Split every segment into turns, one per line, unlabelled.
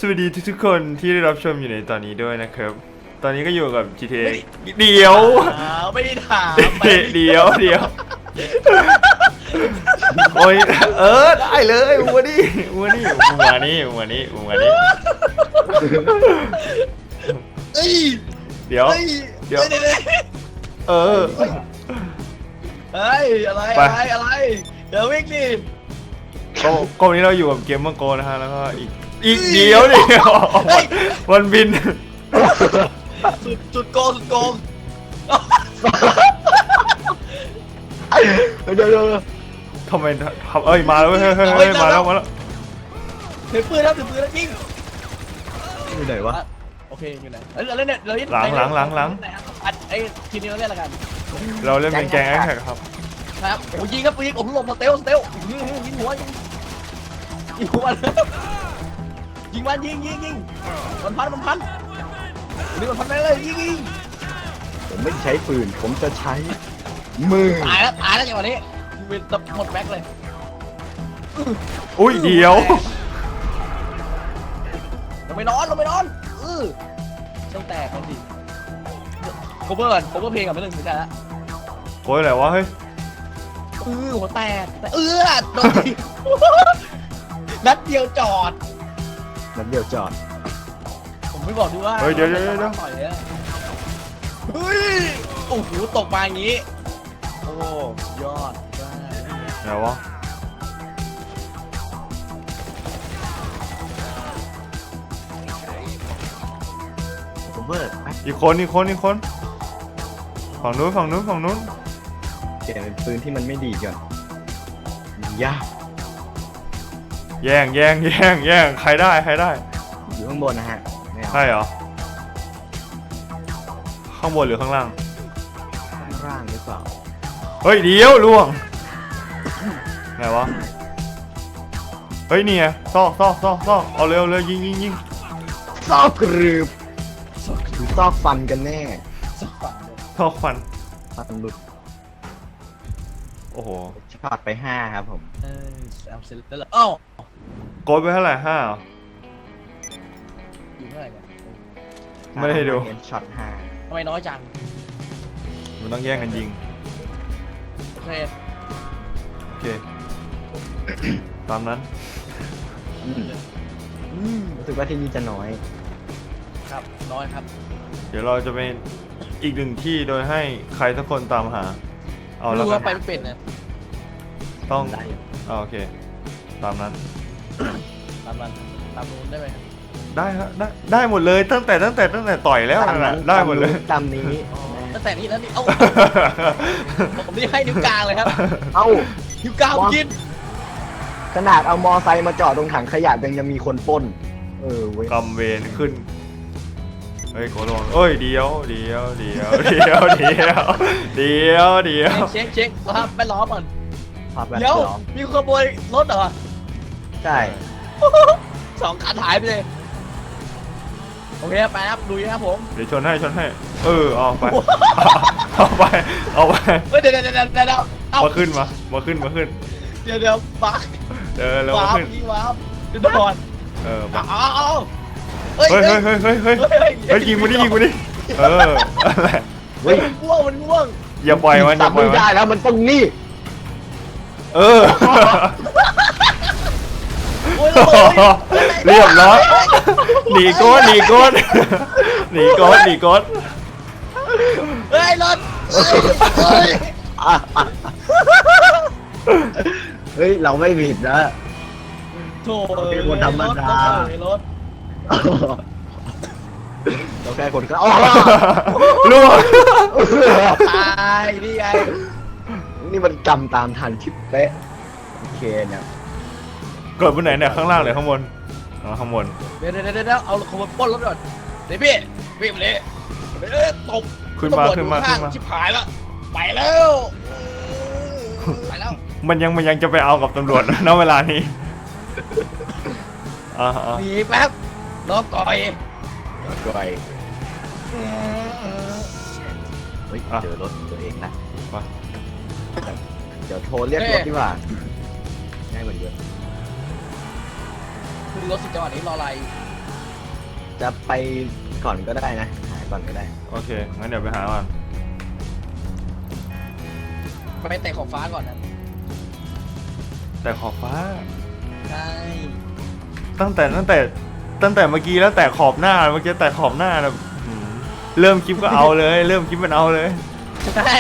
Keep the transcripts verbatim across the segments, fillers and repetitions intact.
วัสดีทุกๆคนที่ได้รับชมอยู่ในตอนนี้ด้วยนะครับตอนนี้ก็อยู่กับ จี ที เอ เดี๋ยว
ไม่ได้ถาม
เดี๋ยวเดี๋ยวโอ้ยเออได้เลยวัวนี่วัวนี่วัวนี่วัวนี่วัวนี่
เอ้ย
เดี๋ยวเดี๋ยวเออ
เฮ้ยอะไรอะไรอะไรเดี๋ยววิ่งดิ
ก็ก็วันนี้เราอยู่กับเกมเมอร์โกนะฮะแล้วก็อีกอีกเดียวเดียววันบิน
สุดสุดโกงสุดโกง
เดี๋ยวเดี๋ยว
ทำไมทำเอ้ยมาแล้วเฮ้ยเฮ้ยเฮ้ยมาแล้วมาแล้ว
ถือปืนแล้วถือปืนแล้วยิง
อยู่ไหนวะ
โอเคอยู่ไหนเราเล่นเราเล่น
หลังหลังหลังหลัง
ไอ้ทีนี้เราเล่นอะไรกัน
เราเล่นเป็นแกงแอคแท็กครับ
ครับโอ้ยิงครับยิงผมหลบสเตลสเตลยิงหัวยิงยิงหัวยิงมันยิงยิงยิงมันพันมันพันนี่มันพันไปเลยยิงยิง
ผมไม่ใช้ปืนผมจะใช้มือ
ตายแล้วตายแล้วจังหวะนี้เป็นตับหมดแบ็คเลย
อุ้ยเดี๋ยว
เราไม่นอนเราไม่นอนเออต้องแตกกันดิโคเวอร์ก่อนโคเวอร์เพลงก่อนไม่ต้องสนใจละ
โอ้ยอะไรวะเฮ้ย
เออหัวแตกแต่เออโดนนัดเดียวจอด
นัดเดียวจอด
ผมไม่บอกดูว่า
เฮ้ยเดี๋ยวเดี๋ยวเดี๋ยว
เฮ้ยโอ้โหตกมาอย่างงี้โอ้ยอด
ไหนวะ
ผมเบิร์ด
อีกคนอีกคนอีกคนฝั่งนู้นฝั่งนู้นฝั่งนู้น
เก็บเป็นปืนที่มันไม่ดีก่อนยาก
แย่งแย่งแย่งแย่งใครได้ใครได้
อยู่ข้างบนนะฮะ
ใช่เหรอข้างบนหรือข้างล่าง
ข้างล่างหรือเปล่า
เฮ้ยเดี๋ยวล่วงไงวะเฮ้ยนี่ไงซอกซอกซอกซอกเอาเร็วเลยยิงยิงยิง
ซอกกรืบหรือซอกฟันกันแน่
ซอกฟัน
ฟันหลุด
โอ้โห
ช็อตไปห้าครับผม
เออเอาเสร็จแล้วอ้าว
โกดไปเท่าไหร่ห้า
อยู่เท่าไหร่กัน
ไม่ได้ดู
ช็อตห้า
ทำไมน้อยจัง
มันต้องแย่งกันยิง
โอเค
โอเคตามนั้น
รู้สึกว่าที่นี่จะน้อย
ครับน้อยครับ
เดี๋ยวเราจะเป็นอีกหนึ่งที่โดยให้ใครสักคนตามหาเอาแล้ว
กันไปไม่เป็นนะ
ต้องโอเคตามนั้น
ตามนั้นตามนู้นได้ไหม
ได้ครับได้ได้หมดเลยตั้งแต่ตั้งแต่ตั้งแต่ต่อยแล้วนะได้หมดเลย
ตามนี้
ตั้งแต่นี้แล้วนี่เอ้าผมนี่ให้นิ้วกลางเลยครับ
เอ้า
นิ้วกลางกิน
ขนาดเอามอไซค์มาจอดตรงถังขยะยังจะมีคนปล้นเออเว้ย
กำเวรขึ้นเฮ้ยโกลงเอ้ยเดียวเดียวเดียวเดียวเดียวเดียวเดียว
เช็คเช็คสภาพแวดล้อมก่อน
เดี๋ยว
มีขบวนรถเหรอ
ใช่
สองคันหายไปเลยโอเคไปครับดูนะครับผม
เดี๋ยวชนให้ชนให้เออเอาไปเอาไปเอาไป
เฮ้ยเดี๋ยวเดี๋ยวเดี๋ยวเดี๋ยว
มาขึ้นมามาขึ้นมาขึ้น
เดี๋ยวเดี๋ยวบัก
เดี๋ยวแล้วมาขึ้น
ว้าวเดี๋ยวก่อน
เออมา
เอาเอา
เฮ้ยเฮ้ยเฮ้ยเฮ้ยเฮ้ยเฮ้ยยิงมาดิยิงมาดิเอออะไร
เฮ้ยง่วงมันง่วง
อย่าปล่อยมันอย่าปล่อยมัน
ได้แล้วมันต้องนี่
เออเรียบร้อยหนีโกดหนีโกดหนีโกดหนีโกด
เฮ้ยรถ
เฮ้ยเราไม่ผิดนะ
โถ่
เป็นคนธรรมดา
รถ
เราแค่คนก็อ๋อ
ล่วง
ตายนี่ไง
นี่มันจำตามทันชิปเป๊ะโอเคเนี่ย
เกิดบนไหนเนี่ยข้างล่างหรือข้างบนอ๋อข้างบน
เดี๋ยวเดี๋ยวเดี๋ยวเอาขบวนปล้นรถก่อนเดี๋ยวพี่พี่มาเลยเอ้ยตก
ขึ้นมาขึ้นมาขึ้นมา
ชิบหายแล้วไปแล้วไปแล้ว
มันยังมันยังจะไปเอากับตำรวจณเวลานี้อ่า
หนีแป๊บรอก่อย
ก่อยเฮ้ยเจอรถตัวเองนะเดี๋ยวโทรเรียกรถดีกว่าง่ายกว่าเยอะ
ขึ้นรถสิจังหวะนี้รออะไร
จะไปก่อนก็ได้นะหาก่อนก็ได้
โอเคงั้นเดี๋ยวไปหาก่อน
ไปเตะของฟ้าก่อนนะ
แต่ขอบฟ้า
ใช่
ตั้งแต่ตั้งแต่ตั้งแต่เมื่อกี้แล้วแต่ขอบหน้าเมื่อกี้แต่ขอบหน้านะหืมเริ่มคลิปก็เอาเลย เริ่มคลิปมันเอาเลย
ใช่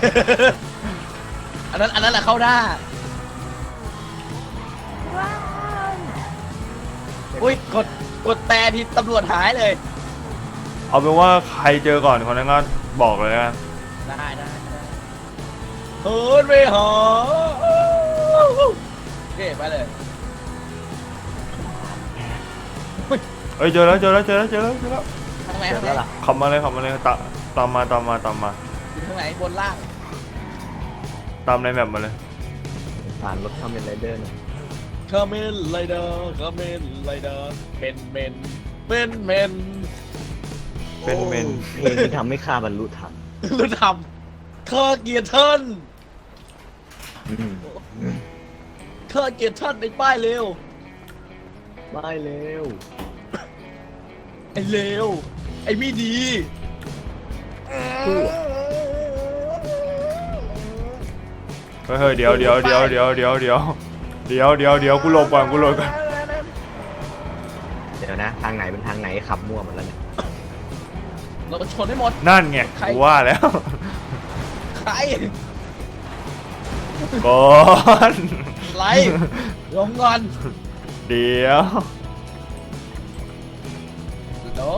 อันนั้นอันนั้นแหละเข้าหน้าอุ้ยกดกดแต่ที่ตำรวจหายเลย
เอาเป็นว่าใครเจอก่อนคนนั้นก็บอกเลยนะ
ได้ได้ได้เฮิร์นไปหาโอเคไปเลย
เอ้ยเจอแล้วเจอแล้วเจอแล้วเจอแล้วเจอแล้ว
ทางไหน
เสร็
ทา
จ
งไหน
แล้วล่ะ
ขับมาเลยขับมาเลยตามตามมาตามมาตามมา
อยู่ทางไหนบนล่าง
ตามในแมปมาเลย
ผ่านรถทำเป็นไรเดอร์นะ
คาเมนไรเดอร์คาเมนไรเดอร์เป็นเมนเป็นเมน
เป็นเมน
เพลงที่ทำให้ข้าบรรลุธรรม
รู้ทำเคอร์เกียร์เทิร์น
อืม
เคอร์เกียร์เทิร์นในป้ายเร็ว
ไม่เร็ว
ไอ้เร็วไอ้ไม่ดี
สู้
เฮ้ยเฮ้ยเดี๋ยวเดี๋ยวเดี๋ยวเดี๋ยวเดี๋ยวเดี๋ยวเดี๋ยวเดี๋ยวเดี๋ยวกูหลบก่อนกูหลบก่อน
เดี๋ยวนะ ทางไหนเป็นทางไหนขับมั่วหมดแล้วเนี่ย
เราชนให้หมด
นั่นไง
ใคร
กูว่าแล้ว
ใคร
ก่อน
ไรลงก่อน
เดี๋ยว
เดี๋ยว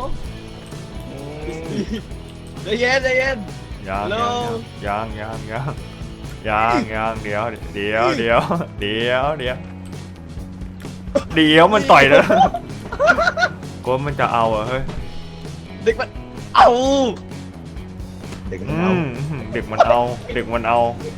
ใจเย็นใจเย็น
ยัง
ฮัลโหล
ยังยังยังยังยังเดี๋ยวเดี๋ยวเดี๋ยวเดี๋ยวเดี๋ยวเดี๋ยวมันต่อยแล้วกูว่ามันจะเอาเหรอเฮ้ย
เด็กมันเอา
เด็กมัน
อื
เอา
มเด็กมันเอาเด็กมันเอา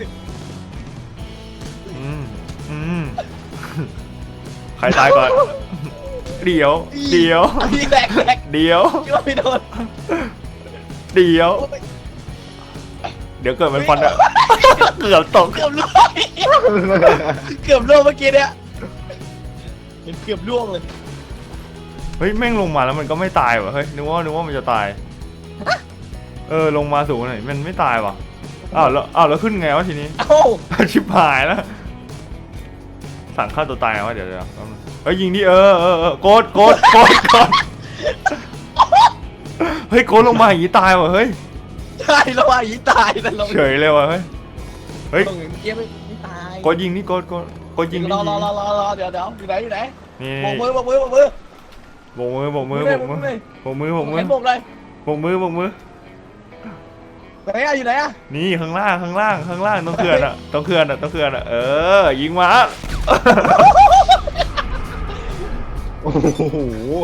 อืมอืมใครตายก่อนเดี๋ยวเดี๋ยว
อีแบกแบก
เดี๋ยว
คิดว่าไม่โดน
เดี๋ยว เดี๋ยวเกิดมันฟันอะ เกือบตก
เกือบล่วงเกือบล่วงเมื่อกี้เนี่ยเห็นเกือบล่วงเลย
เฮ้ยแม่งลงมาแล้วมันก็ไม่ตายว่ะเฮ้ยนึกว่านึกว่ามันจะตายเออลงมาสูงหน่อยมันไม่ตายว่ะอ้าวแล้วอ้าวแล้วขึ้นไงวะทีนี้
เอ้า
ชิบหายแล้วสั่งฆ่าตัวตายไงวะเดี๋ยวเดี๋ยวแป๊บนึงเฮ้ยยิงดิเออเออเออโกดโกดโกดโกดเฮ้ยโกดลงมาอย่างนี้ตายว่ะเฮ้ย
ใช่แล้วว่ายีตายแต่ลง
เฉยเลยว่ะเฮ้ยเฮ้ย
ลงอย่างเมื่อกี้ไม่ไม่ตาย
โกดยิงนี่โกดโกดโกดยิงนี่
รอ
ยิง
รอรอรอรอเดี๋ยวเดี๋ยวอยู่ไหนอยู่ไหน
นี่
โบกมือโบกมือโบกมือ
โบกมือโบกมือโบกมือโบกมือโบกมือ
เห็นโบกเลย
โบกมือโบกมือ
ไหนอะอยู่ไหนอะ
นี่ข้างล่างข้างล่างข้างล่างต้องเขื่อนอะต้องเขื่อนอะต้องเขื่อนอะเออยิงมา
โอ้โห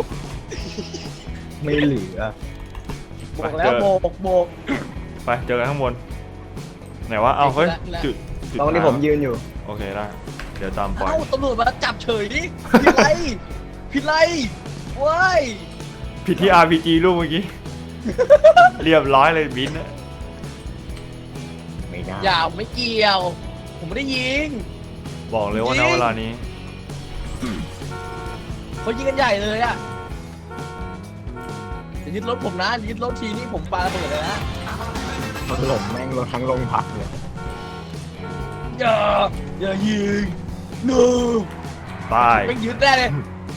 ไม่เหลือ
โบกแล้วโบกโบก
ไปเจอกันข้างบนไหนวะเอาเฮ้ย
แล้ว
จุดจุด
ตรงที่ผมยืนอยู่
โอเคได้เดี๋ยวตามปล่อย
เอ้าตำรวจมาจับเฉยดิผิดไรผิดไรเว้ย
ผิดที่ อาร์ พี จี รูปเมื่อกี้ เรียบร้อยเลยบินนะ
ไม่ได้
อย่าไม่เกี่ยว ผมไม่ได้ยิง
บอกเลยว่า
จริ
ณ
ง
เวลานี้
เขายิงกันใหญ่เลยอะจะยึดรถผมนะยึดรถทีนี้ผมปาระเบิดเลยนะ
ถล่มแม่งรถทั้งโรงพักเลย
อย่าอย่ายิงหนู
ตาย
ไม่ยึดได้เลย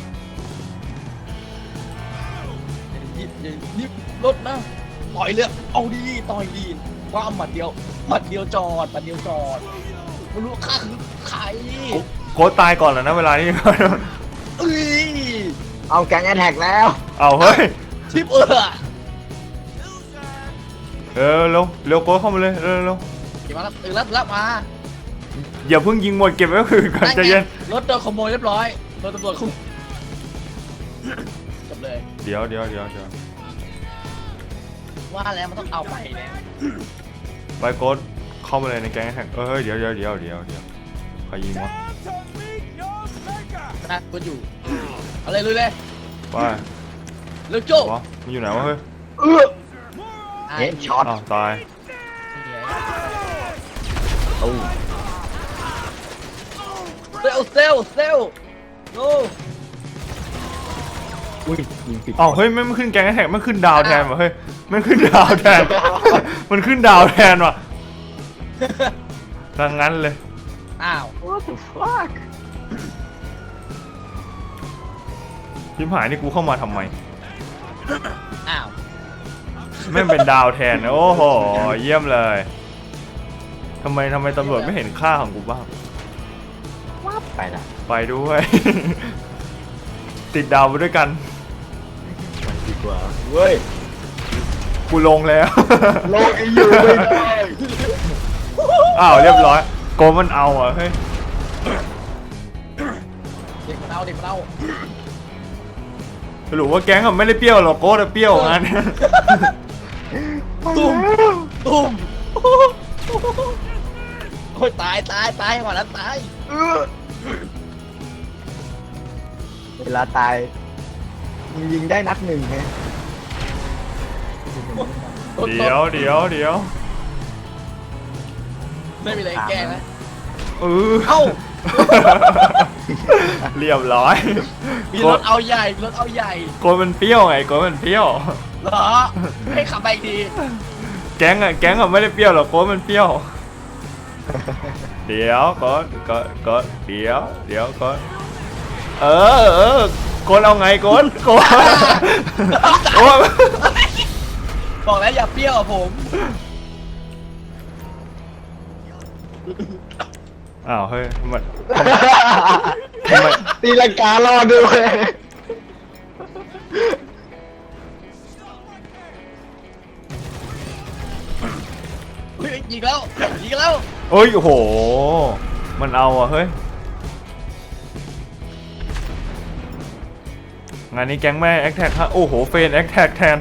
อย่ายึดอย่ายึดรถนะต่อยเลยเอาดีต่อยดีว่าหมัดเดียวหมัดเดียวจอดหมัดเดียวจอดไม่รู้ข้าคือใคร
โค้ดตายก่อนแล้วนะเวลานี้
เอ้ย
เอาแก๊งแอทแทกแล้ว
เอาเฮ้ย
ทิปเออ
เออเร็วเร็วโค้ดเข้ามาเลยเร็วเร็ว
เก็บมาแล้วตื่นแล้วตื่นแล้วมา
อย่าเพิ่งยิงหมดเก็บไว้คืนก่อนใจเย็น
รถโดนขโมยเรียบร้อยรถตำรวจขโมยจบเลย
เดี๋ยวเดี๋ยวเดี๋ยวเดี๋ยว
ว่าแล้วมันต้องเอาไปเนี่ย
ไปโค้ดเข้ามาเลยในแก๊งแท็กเออเฮ้ยเดี๋ยวเดี๋ยวเดี๋ยวเดี๋ยวเดี๋ยวใครยิงวะ
นะกูอยู่เอาเลยลุยเลย
ไป
เร็วโจ้
วะมันอยู่ไหนวะเฮ้ย
เออเฮดช็อต
อ้าวตาย
ตู้
เซลเซลเซลโอ้
อุ้ยยิงผิด
อ๋อเฮ้ยไม่มันขึ้นแกงแท็กมันขึ้นดาวแทนว่ะเฮ้ยมันขึ้นดาวแทน มันขึ้นดาวแทนว่ะดังนั้นเลย
อ้าว
What the fuck
ชิมหายนี่กูเข้ามาทำไม
อ้าว
แม่งเป็นดาวแทนโอ้โหเยี่ยมเลยทำไมทำไมตำรวจไม่เห็นค่าของกูบ้าง
วับไปละ
ไปด้วย ติดดาวไปด้วยกัน
ไปดีกว่าเว้ย
กูลงแล้ว
โลกอีอยู่ไม่ได้
อ้าวเรียบร้อยโกมันเอาอ่ะเฮ้ย
เด็กมันเอาเด็กมันเอา
สรุปว่าแก๊งอะไม่ได้เปรี้ยวหรอกโก้แต่เปรี้ยวงั้น
ตุ้มตุ้มโอ้ยตายตายตายก่อนแล้วตาย
เออเวลาตายมึงยิงได้นัดหนึ่งไง
ต้น
เดี๋ยวเดี๋ยวเดี๋ยว
ไม่มีอะไรแก้นะ
เออ
เอ้า
เรียบร้อย
มีรถเอาใหญ่รถเอาใหญ่
โกมันเปรี้ยวไงโกมันเปรี้ยว
เหรอให้ขับไปอีกที
แก๊งอะแก๊งอะไม่ได้เปรี้ยวหรอกโกมันเปรี้ยว เดี๋ยวก่อนก่อนก่อนเดี๋ยวเดี๋ยวก่อนเออเออโกนเอาไงโกนโกนโอ้
บอกแล้วอย่าเปรี้ยวอะผม
อ้าวเฮ้ยมันทำไม
ตีลังการอดด้วย
เฮ้ยยิงแล้วยิงแล้ว
เอ้ยโอ้โหมันเอาอ่ะเฮ้ยงานนี้แก๊งแม่แอคแท็กฮะโอ้โหเฟนแอคแท็กแทน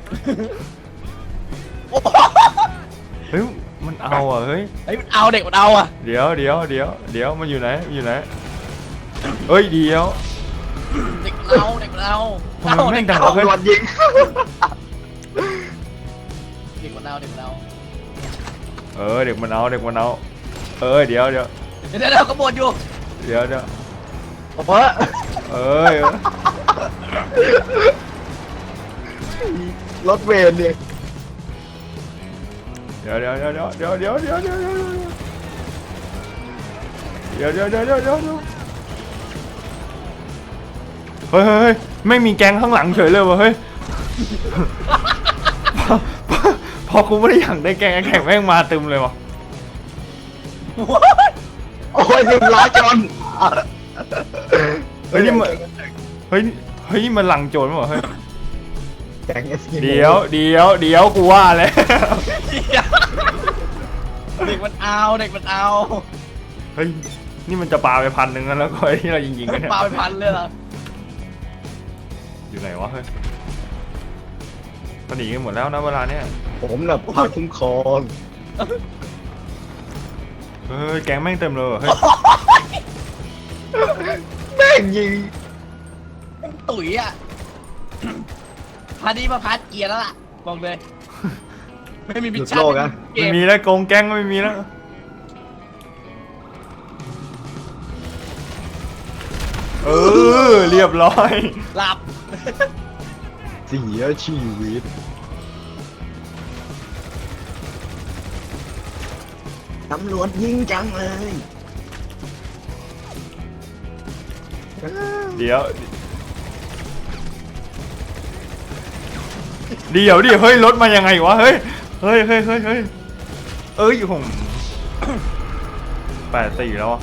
โอ้โห
เฮ้ยมันเอาอ่ะเฮ้ย
เฮ้ยมันเอาเด็กมันเอาอ่ะ
เดี๋ยวเดี๋ยวเดี๋ยวเดี๋ยวมันอยู่ไหนมันอยู่ไหนเอ้ยเดี๋ยว
เด็กมันเอาเด็กมันเอา
ทำไมแม่งดัง
ตำรวจยิง
เด็กมันเอาเด็กมันเอา
เออเด็กมันเอาเด็กมันเอาเออเดี๋ยวเดี๋ยว
เดี๋ยวเดี๋ยวขบวนอยู่
เดี๋ยวเดี๋ยว
เพราะ
เอ้ย
รถเวรเนี่ย
เดี๋ยวเดี๋ยวเดี๋ยวเดี๋ยวเดี๋ยวเดี๋ยวเดี๋ยวเดี๋ยวเดี๋ยวเดี๋ยวเดี๋ยวเดี๋ยวเดี๋ยวเดี๋ยวเฮ้ยเฮ้ยเฮ้ยไม่มีแก๊งข้างหลังเฉยเลยวะเฮ้ย พอพอกูไม่ได้อยากได้แก๊งแข่งแม่งมาตึมเลยวะ
โอ้ยหนึ่งล้อจน
เฮ้ยนี่มันเฮ้ยเฮ้ยนี่มันหลังโจรมั้งวะเฮ้ย
แก๊งเอสกิโม
เดี๋ยวเดี๋ยวเดี๋ยวกูว่าแล้ว
เด็กมันเอาเด็กมันเอา
เฮ้ยนี่มันจะปาไปพันหนึ่งแล้วก็ไอ้ที่เรายิงๆกันเนี่ย
ปาไปพันเลยเหรอ
อยู่ไหนวะเฮ้ยมันหนีกันหมดแล้วนะเวลาเนี้ย
ผมน่ะพาคุ้มครอง
เฮ้ยแก๊งแม่งเต็มเลยว่ะเฮ้ย
แม่งยิง
ตุ๋ยอ่ะพานี้มาพาเกียร์แล้วล่ะบอกเลยไม่มีมิช
หลุด
ชั่น
โลกอะ
เก
ไม่
ม
มีแล้วโกงแก๊งก็ไม่มีแล้วเออเรียบร้อย
หลับ
เสียชีวิตตำรวจยิงจังเลย
เดี๋ยวเดี๋ยวดิเฮ้ยรถมายังไงวะเฮ้ยเฮ้ยเฮ้ยเฮ้ยเฮ้ยเอ้ยผม แปดสี่แล้วอะ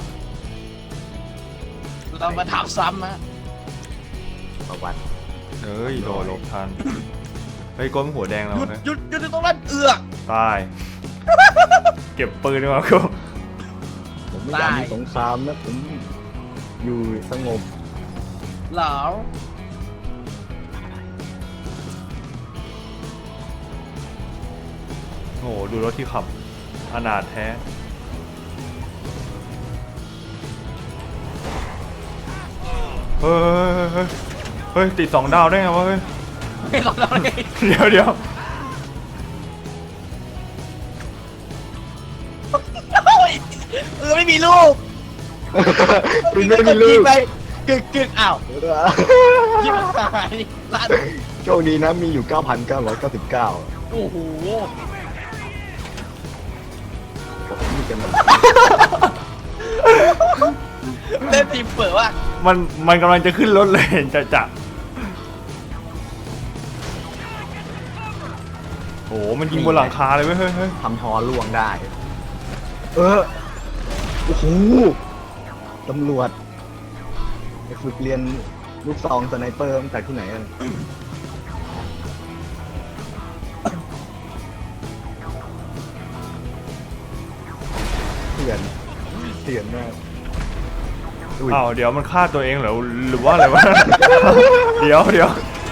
เรามาถามซ้ำนะ
ประวัติ
เฮ้ยโดนหลบทันเฮ้ยก้มหัวแดงแล้ว
หยุด
เฮ้ย
หยุดหยุดตรงนั้นเอือก
ตาย เก็บปืนดีกว่ากู
ผมไม่อยากมีสงครามนะผมอยู่สงบ
เหลา
โอ้โหดูรถที่ขับอนาถแท้เฮ้ยเฮ้ยเฮ้ยเฮ้ยติดสองดาวได้ไงวะเฮ้ย
ไม่หลอกเราเลย
เดี๋ยวเดี๋ยว
เออไม่มีลูก
คุณไม่มีลู
ยิ
ก
งไปกึกกึกอ้าวยิงหายลั่น
โชคดีนะมีอยู่ เก้าพันเก้าร้อยเก้าสิบเก้า
โอ้โห
นี่กันมัน
เล่นทีมเปิดว่า
มันมันกำลังจะขึ้นรถเลยเห็นจะจะโอ้โหมันยิงบนหลังคาเลยเว้ยเฮ้ยเฮ้ย
ทำฮอล่วงได้ เออ โอ้โห ตำรวจไปฝึกเรียนลูกซองสไนเปอร์มาจากที่ไหนกันเถื่อนเถื่อนมากอุ้ย
อ้าวเดี๋ยวมันฆ่าตัวเองเหรอหรือว่าอะไรวะ เดี๋ยวเดี๋ยว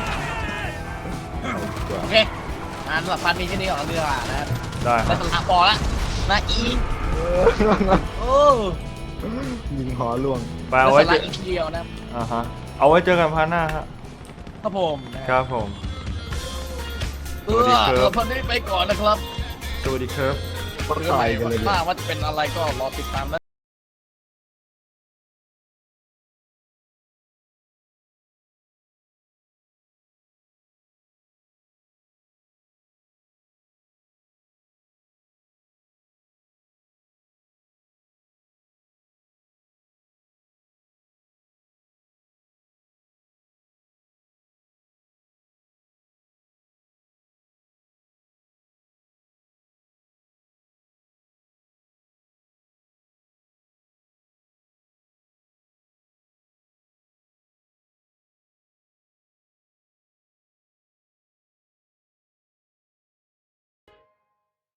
โอเคงานสำหรับพันมีแค่นี้ก่อนเรือนะครับ
ได้ค
ได้
รับ
สลับพอละนะอีโอ้
ยิงฮอล่วง
ไป
ได้
เอา
ส
ไว้
ลั
เจ
บ
อ
อีกทีเดียวนะ
อ่าฮะเอาไว้เจอกันพาร์ทหน้าฮะ
ครับผมนะครับ
ผม
เออเราพันนี้ไปก่อนนะครับ
สวัสดีครับ
ก็ตายกันเลย
ถ้าว่าจะเป็นอะไรก็รอติดตามนะ